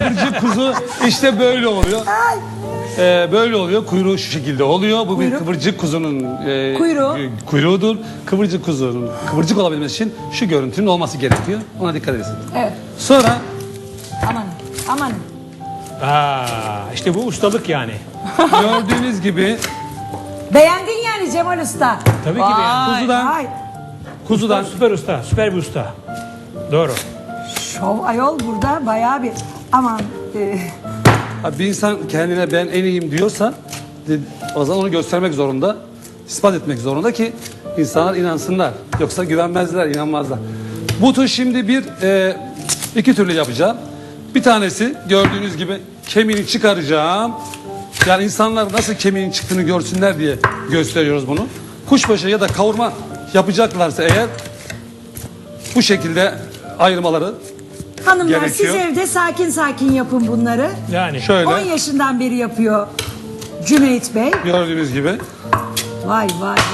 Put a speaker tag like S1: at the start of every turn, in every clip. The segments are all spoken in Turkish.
S1: kıvırcık kuzu işte böyle oluyor. Böyle oluyor. Kuyruğu şu şekilde oluyor. Bu bir kıvırcık kuzunun kuyruğudur. Kıvırcık kuzunun kıvırcık olabilmesi için şu görüntünün olması gerekiyor. Ona dikkat edin.
S2: Evet.
S1: Sonra
S2: Aman.
S3: İşte bu ustalık yani.
S1: gördüğünüz gibi
S2: Beğendin yani Cemal Usta.
S3: Tabii ki beğendim.
S1: kuzudan
S3: Süper usta, süper bir usta. Doğru.
S2: Şov ayol burada bayağı bir aman.
S1: bir insan kendine ben en iyiyim diyorsa o zaman onu göstermek zorunda, ispat etmek zorunda ki insanlar inansınlar. Yoksa güvenmezler, inanmazlar. Bu tür şimdi iki türlü yapacağım. Bir tanesi gördüğünüz gibi kemiğini çıkaracağım. Yani insanlar nasıl kemiğin çıktığını görsünler diye gösteriyoruz bunu. Kuşbaşı ya da kavurma yapacaklarsa eğer bu şekilde ayırmaları
S2: Hanımlar
S1: gerekiyor.
S2: siz evde sakin sakin yapın bunları.
S3: Yani.
S1: Şöyle
S2: 10 yaşından beri yapıyor Cüneyt Bey.
S1: gördüğünüz gibi.
S2: Vay.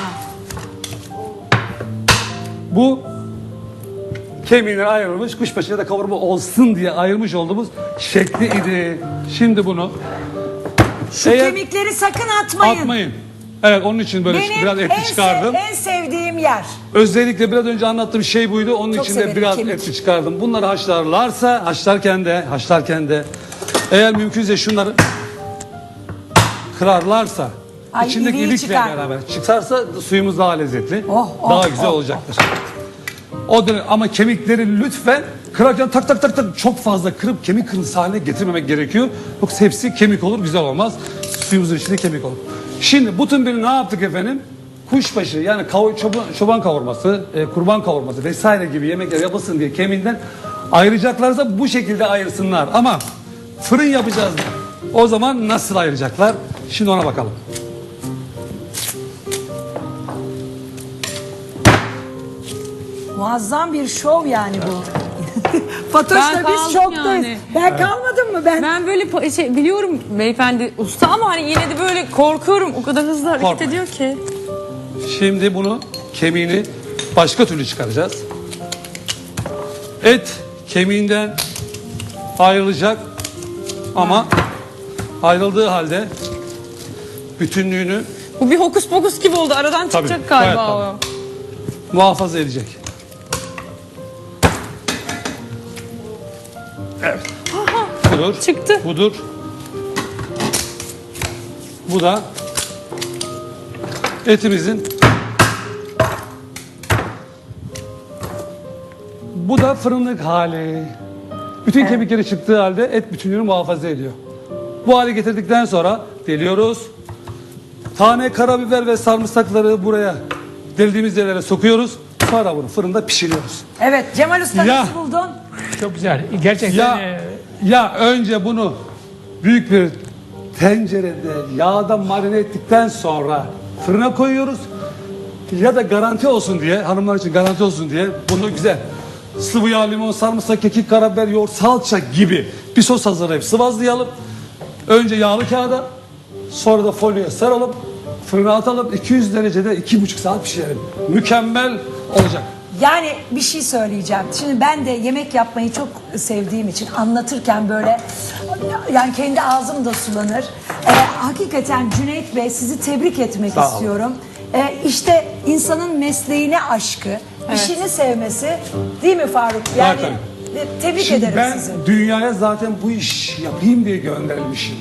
S1: Bu kemiğine ayrılmış kuşbaşı ya da kavurma olsun diye ayırmış olduğumuz şekli idi. Şimdi bunu
S2: Şu kemikleri sakın atmayın.
S1: Evet, onun için böyle
S2: Benim
S1: biraz etli çıkardım.
S2: en sevdiğim yer.
S1: Özellikle biraz önce anlattığım şey buydu. Onun
S2: Çok
S1: için de
S2: severim
S1: biraz
S2: kemik.
S1: etli çıkardım. Bunları haşlarken de eğer mümkünse şunları kırarlarsa içindeki
S2: iriyi
S1: ilikle
S2: çıkar.
S1: beraber çıkarsa suyumuz daha lezzetli. daha güzel olacaktır. O dönem, ama kemikleri lütfen kırarken tak çok fazla kırıp kemik kırıntısı haline getirmemek gerekiyor. Yoksa hepsi kemik olur, güzel olmaz. Suyumuzun içinde kemik olur. Şimdi bütün biri ne yaptık efendim? Kuşbaşı yani çoban kavurması, kurban kavurması vesaire gibi yemekler yapılsın diye kemiğinden ayıracaklarsa bu şekilde ayırsınlar. Ama fırın yapacağız. O zaman nasıl ayıracaklar? Şimdi ona bakalım.
S2: Muazzam bir şov yani bu. Fatoş'la
S4: Ben
S2: biz
S4: kaldım
S2: şoktayız.
S4: yani.
S2: Ben kalmadım mı ben?
S4: Ben böyle biliyorum beyefendi usta ama hani yine de böyle korkuyorum. O kadar hızlı hareket
S1: Korkma.
S4: ediyor ki.
S1: Şimdi bunu kemiğini başka türlü çıkaracağız. Et kemiğinden ayrılacak ama ayrıldığı halde bütünlüğünü
S4: Bu bir hokus pokus gibi oldu. Aradan çıkacak
S1: Tabii,
S4: galiba
S1: evet,
S4: o.
S1: muhafaza edecek. Evet. Budur.
S4: Çıktı.
S1: Budur. Bu da etimizin. Bu da fırınlık hali. Bütün kemikleri çıktığı halde et bütünlüğünü muhafaza ediyor. Bu hale getirdikten sonra deliyoruz. Tane karabiber ve sarımsakları buraya deldiğimiz yerlere sokuyoruz. Sonra bunu fırında pişiriyoruz.
S2: Evet Cemal Usta
S1: Ya.
S2: nasıl buldun?
S3: Çok güzel. Gerçekten
S1: Ya önce bunu büyük bir tencerede yağda marine ettikten sonra fırına koyuyoruz. Ya da garanti olsun diye, hanımlar için garanti olsun diye bunu güzel sıvı yağ, limon, sarımsak, kekik, karabiber, yoğurt, salça gibi bir sos hazırlayıp sıvazlayalım. Önce yağlı kağıda, sonra da folyoya saralım, fırına atalım. 200 derecede 2,5 saat pişirelim. Mükemmel olacak.
S2: Yani bir şey söyleyeceğim. Şimdi ben de yemek yapmayı çok sevdiğim için anlatırken böyle yani kendi ağzım da sulanır. Hakikaten Cüneyt Bey sizi tebrik etmek
S1: Sağ olun.
S2: istiyorum. İşte insanın mesleğine aşkı, işini sevmesi değil mi Faruk? Yani tebrik
S1: Şimdi
S2: ederim
S1: ben
S2: sizi.
S1: dünyaya zaten bu iş yapayım diye gönderilmişim.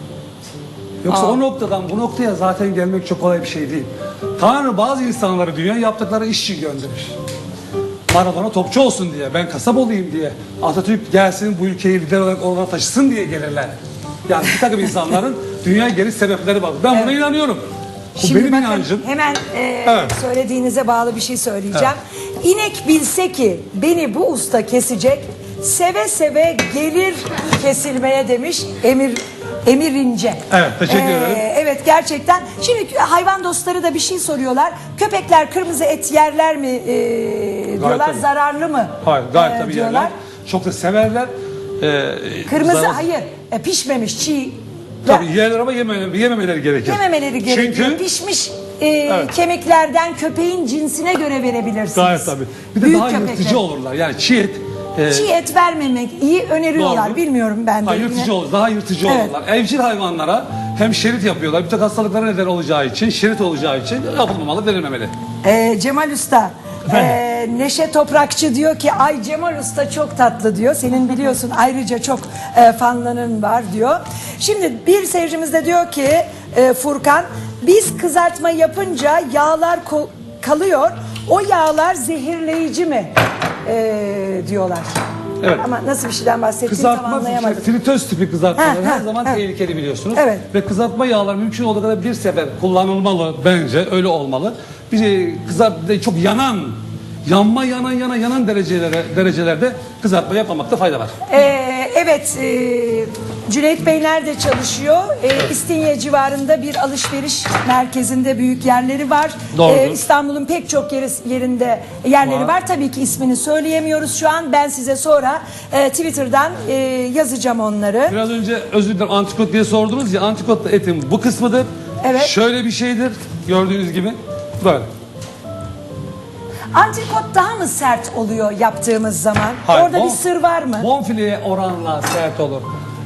S1: Yoksa o noktadan bu noktaya zaten gelmek çok kolay bir şey değil. Tanrı bazı insanları dünya yaptıkları iş için gönderir. Maradona topçu olsun diye, ben kasap olayım diye, Atatürk gelsin bu ülkeyi lider olarak oralara taşısın diye gelirler. Yani bir takım insanların dünyaya geliş sebepleri var. Ben buna inanıyorum. Bu
S2: Şimdi
S1: benim
S2: bakın,
S1: inancım.
S2: hemen
S1: Evet.
S2: söylediğinize bağlı bir şey söyleyeceğim. İnek bilse ki beni bu usta kesecek, seve seve gelir kesilmeye demiş Emir İnce.
S1: Evet, teşekkür ederim.
S2: Evet gerçekten. Şimdi hayvan dostları da bir şey soruyorlar. Köpekler kırmızı et yerler mi diyorlar,
S1: tabii.
S2: zararlı mı?
S1: Hayır, gayet tabii
S2: diyorlar.
S1: yerler. Çok da severler.
S2: Kırmızı
S1: Zarar-
S2: hayır, pişmemiş çiğ.
S1: Tabii yerler ama yememeleri gerekir.
S2: Yememeleri gerekiyor.
S1: Çünkü
S2: Pişmiş kemiklerden köpeğin cinsine göre verebilirsiniz.
S1: gayet tabii. Bir de
S2: Büyük
S1: daha
S2: köpekler.
S1: yırtıcı olurlar. Yani çiğ et
S2: Çiğ et vermemek iyi öneriyorlar.
S1: Doğru.
S2: Bilmiyorum ben de.
S1: Yırtıcı olur, daha yırtıcı
S2: Evet.
S1: olurlar. Evcil hayvanlara hem şerit yapıyorlar, bir tek hastalıklara neden olacağı için, şerit olacağı için yapılmamalı, verilmemeli.
S2: Cemal Usta, Neşe Toprakçı diyor ki ay Cemal Usta çok tatlı diyor. Senin biliyorsun ayrıca çok fanların var diyor. Şimdi bir seyircimiz de diyor ki Furkan, biz kızartma yapınca yağlar kalıyor. O yağlar zehirleyici mi diyorlar.
S1: Evet.
S2: Ama nasıl bir şeyden bahsettiğini tam
S1: Kızartma,
S2: anlayamadım.
S1: fritöz tipi kızartmalar
S2: Ha,
S1: her zaman
S2: ha.
S1: tehlikeli biliyorsunuz.
S2: Evet.
S1: Ve kızartma yağlar mümkün olduğu kadar bir sefer kullanılmalı bence, öyle olmalı. Bir çok yanan derecelerde kızartma yapmamakta fayda var.
S2: Evet, Cüneyt Bey nerede çalışıyor? İstinye civarında bir alışveriş merkezinde büyük yerleri var.
S1: Doğrudur.
S2: İstanbul'un pek çok yerinde yerleri var. Tabii ki ismini söyleyemiyoruz şu an. Ben size sonra Twitter'dan yazacağım onları.
S1: Biraz önce özür dilerim antrikot diye sordunuz ya, antrikot etin bu kısmıdır.
S2: Evet.
S1: Şöyle bir şeydir gördüğünüz gibi böyle.
S2: Antrikot daha mı sert oluyor yaptığımız zaman?
S1: Hayır,
S2: Orada bir sır var mı?
S1: Bonfileye oranla sert olur.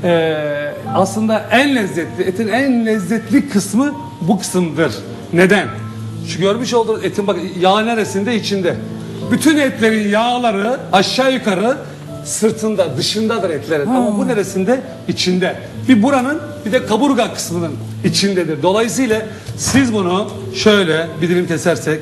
S1: Aslında etin en lezzetli kısmı bu kısımdır. Neden? Şu görmüş olduğunuz etin bak yağ neresinde? İçinde. Bütün etlerin yağları aşağı yukarı sırtında, dışındadır etlerin. Ama bu neresinde? İçinde. Bir buranın bir de kaburga kısmının içindedir. Dolayısıyla siz bunu şöyle bir dilim kesersek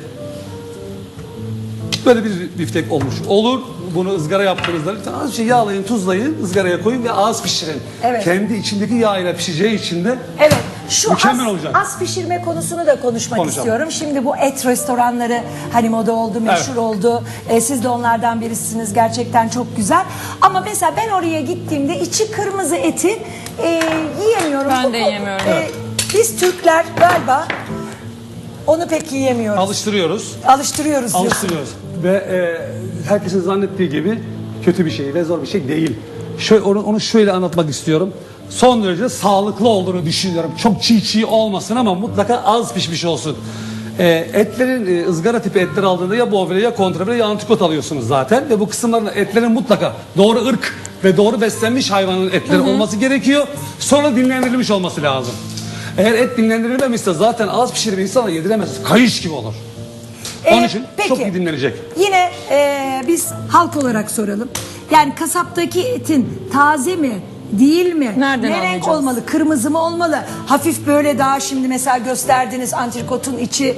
S1: böyle bir biftek olmuş olur. Bunu ızgara yaptığınızda lütfen az bir şey yağlayın, tuzlayın, ızgaraya koyun ve az pişirin.
S2: Evet.
S1: Kendi içindeki yağ ile pişeceği için de
S2: Evet. Şu
S1: mükemmel olacak.
S2: az pişirme konusunu da konuşmak
S1: Konuşalım.
S2: istiyorum. Şimdi bu et restoranları hani moda oldu, meşhur
S1: Evet.
S2: oldu. Siz de onlardan birisiniz. Gerçekten çok güzel. Ama mesela ben oraya gittiğimde içi kırmızı eti yiyemiyorum.
S4: Ben de yiyemiyorum.
S2: Biz Türkler galiba onu pek yiyemiyoruz.
S1: alıştırıyoruz.
S2: Alıştırıyoruz diyorsun.
S1: Alıştırıyoruz. Ve herkesin zannettiği gibi kötü bir şey ve zor bir şey değil. Şöyle, onu şöyle anlatmak istiyorum. Son derece sağlıklı olduğunu düşünüyorum. Çok çiğ olmasın ama mutlaka az pişmiş olsun. Etlerin ızgara tipi etler aldığında ya bonfile ya kontrafile ya antrikot alıyorsunuz zaten. Ve bu kısımların etlerin mutlaka doğru ırk ve doğru beslenmiş hayvanın etleri olması gerekiyor. Sonra dinlendirilmiş olması lazım. Eğer et dinlendirilmemişse zaten az pişirip insana yediremez. Kayış gibi olur. Onun için
S2: Peki.
S1: çok iyi dinlenecek.
S2: Yine biz halk olarak soralım. Yani kasaptaki etin taze mi? Değil mi?
S4: Nereden
S2: ne renk
S4: anlayacağız?
S2: olmalı? Kırmızı mı olmalı? Hafif böyle daha şimdi mesela gösterdiğiniz antrikotun içi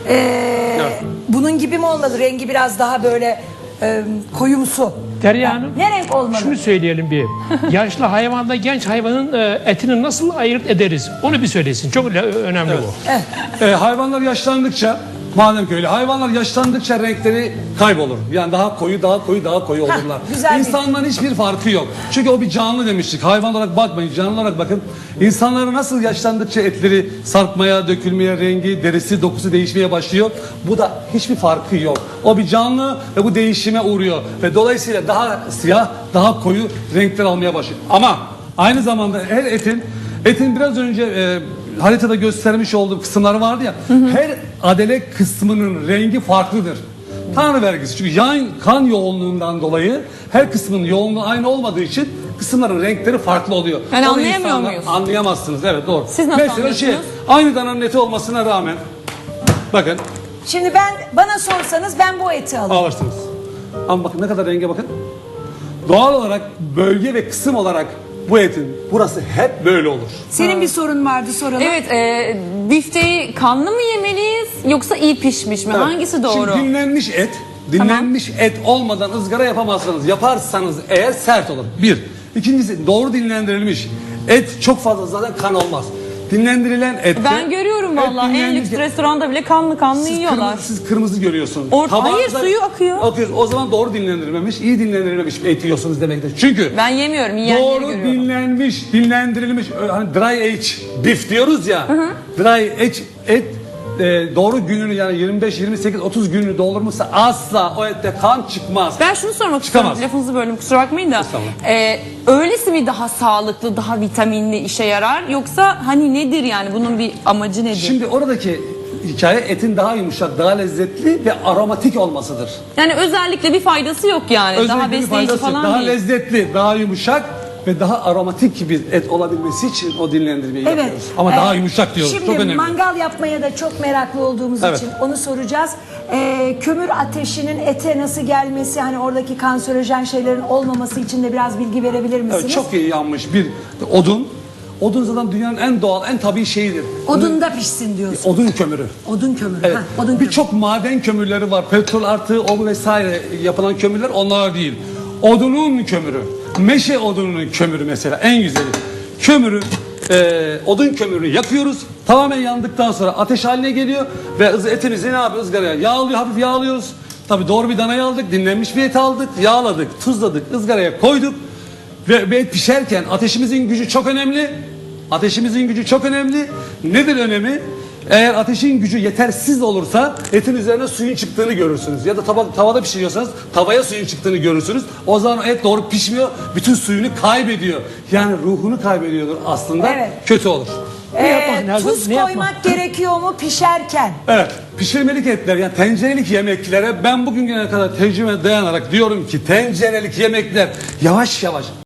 S2: bunun gibi mi olmalı? Rengi biraz daha böyle koyumsu.
S3: Derya Hanım,
S2: Ne renk olmalı?
S3: şunu söyleyelim bir. Yaşlı hayvanla genç hayvanın etini nasıl ayırt ederiz? Onu bir söylesin. Çok önemli bu.
S1: Hayvanlar yaşlandıkça, madem ki öyle, hayvanlar yaşlandıkça renkleri kaybolur. Yani daha koyu olurlar.
S2: güzel bir-
S1: İnsanların hiçbir farkı yok. Çünkü o bir canlı demiştik. Hayvan olarak bakmayın, canlı olarak bakın. İnsanların nasıl yaşlandıkça etleri sarkmaya, dökülmeye, rengi, derisi, dokusu değişmeye başlıyor. Bu da hiçbir farkı yok. O bir canlı ve bu değişime uğruyor. Ve dolayısıyla daha siyah, daha koyu renkler almaya başlıyor. Ama aynı zamanda her etin biraz önce haritada göstermiş olduğum kısımları vardı ya. Her adele kısmının rengi farklıdır. Tanrı vergisi. Çünkü kan yoğunluğundan dolayı her kısmının yoğunluğu aynı olmadığı için kısımların renkleri farklı oluyor.
S4: Yani
S1: Onu
S4: anlayamıyor
S1: insanlar
S4: muyuz?
S1: Anlayamazsınız. Evet doğru.
S4: Siz nasıl
S1: Mesela
S4: anlıyorsunuz?
S1: aynı dananın eti olmasına rağmen bakın
S2: Şimdi bana sorsanız ben bu eti alırım.
S1: alırsınız. Ama bakın ne kadar renge bakın. Doğal olarak bölge ve kısım olarak bu etin burası hep böyle olur.
S2: Senin bir sorun vardı, soralım.
S4: Evet, bifteyi kanlı mı yemeliyiz yoksa iyi pişmiş mi?
S1: Evet.
S4: Hangisi doğru?
S1: Şimdi dinlenmiş et olmadan ızgara yapamazsınız. Yaparsanız eğer sert olur. Bir. İkincisi doğru dinlendirilmiş et çok fazla zaten kan olmaz. Dinlendirilen ette...
S4: Ben görüyorum valla en lüks restoranda bile kanlı yiyorlar.
S1: Siz kırmızı görüyorsunuz.
S4: Hayır, suyu akıyor.
S1: O zaman doğru dinlendirilmemiş, iyi dinlendirilmemiş et yiyorsunuz demektir. Çünkü
S4: Ben yemiyorum, yiyenleri
S1: doğru
S4: görüyorum.
S1: dinlendirilmiş, hani dry age beef diyoruz ya. Dry age et doğru gününü yani 25, 28, 30 gününü doldurmuşsa asla o ette kan çıkmaz.
S4: Ben şunu sormak
S1: Çıkamaz.
S4: istiyorum, lafınızı böldüm kusura bakmayın da.
S1: Estağfurullah.
S4: Öylesi mi daha sağlıklı, daha vitaminli işe yarar? Yoksa hani nedir yani bunun bir amacı nedir?
S1: Şimdi oradaki hikaye etin daha yumuşak, daha lezzetli ve aromatik olmasıdır.
S4: Yani özellikle bir faydası yok yani. Daha
S1: Özellikle bir
S4: besleyici
S1: faydası yok.
S4: falan
S1: Daha
S4: değil.
S1: lezzetli, daha yumuşak ve daha aromatik bir et olabilmesi için o dinlendirmeyi
S2: Evet.
S1: yapıyoruz. Ama daha yumuşak diyoruz.
S2: Şimdi
S1: Çok önemli.
S2: mangal yapmaya da çok meraklı olduğumuz
S1: Evet.
S2: için onu soracağız. Kömür ateşinin ete nasıl gelmesi, hani oradaki kanserojen şeylerin olmaması için de biraz bilgi verebilir misiniz?
S1: Evet, çok iyi yanmış bir odun. Odun zaten dünyanın en doğal, en tabii şeyidir.
S2: Odunda pişsin diyorsun.
S1: Odun kömürü.
S2: Odun kömürü.
S1: Evet.
S2: Ha, odun kömürü.
S1: Birçok maden kömürleri var. Petrol artı o vesaire yapılan kömürler onlar değil. Odunun kömürü. Meşe odununun kömürü mesela en güzeli. Kömürü, odun kömürünü yakıyoruz. Tamamen yandıktan sonra ateş haline geliyor ve etimizi ne yapıyoruz? Izgaraya yağlıyor, hafif yağlıyoruz. Tabii doğru bir danayı aldık, dinlenmiş bir et aldık, yağladık, tuzladık, ızgaraya koyduk. Ve et pişerken ateşimizin gücü çok önemli. Ateşimizin gücü çok önemli. Nedir önemi? Eğer ateşin gücü yetersiz olursa etin üzerine suyun çıktığını görürsünüz. Ya da tavada pişiriyorsanız tavaya suyun çıktığını görürsünüz. O zaman et doğru pişmiyor. Bütün suyunu kaybediyor. Yani ruhunu kaybediyordur aslında.
S2: Evet.
S1: Kötü olur.
S3: Ne yapmak lazım?
S2: Tuz
S3: Ne
S2: koymak
S3: yapmak?
S2: gerekiyor mu pişerken?
S1: Evet. Pişirmelik etler yani tencerelik yemeklere ben bugüne kadar tecrübe dayanarak diyorum ki tencerelik yemekler yavaş yavaş